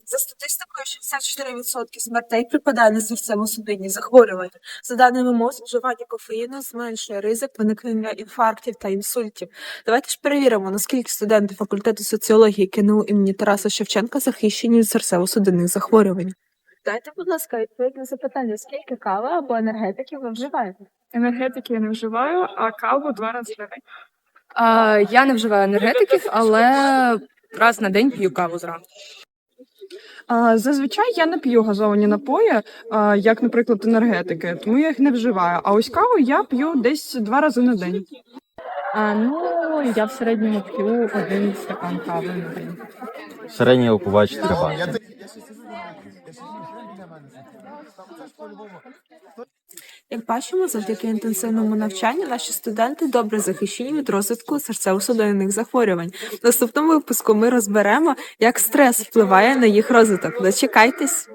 За статистикою, 64% смертей припадає на серцево-судинні захворювання. За даними МОЗ, вживання кофеїну зменшує ризик виникнення інфарктів та інсультів. Давайте ж перевіримо, наскільки студенти факультету соціології КНУ імені Тараса Шевченка захищені від серцево-судинних захворювань. Дайте, будь ласка, відповідь на запитання, скільки кави або енергетиків ви вживаєте? Енергетики я не вживаю, а каву 2 рази на день. Я не вживаю енергетиків, але раз на день п'ю каву зранку. Зазвичай я не п'ю газовані напої, як, наприклад, енергетики, тому я їх не вживаю. А ось каву я п'ю десь 2 рази на день. Я в середньому п'ю 1 стакан кави на день. Середній опувач 4 банки. Як бачимо, завдяки інтенсивному навчанню наші студенти добре захищені від розвитку серцево-судинних захворювань. В наступному випуску ми розберемо, як стрес впливає на їх розвиток. Дочекайтесь!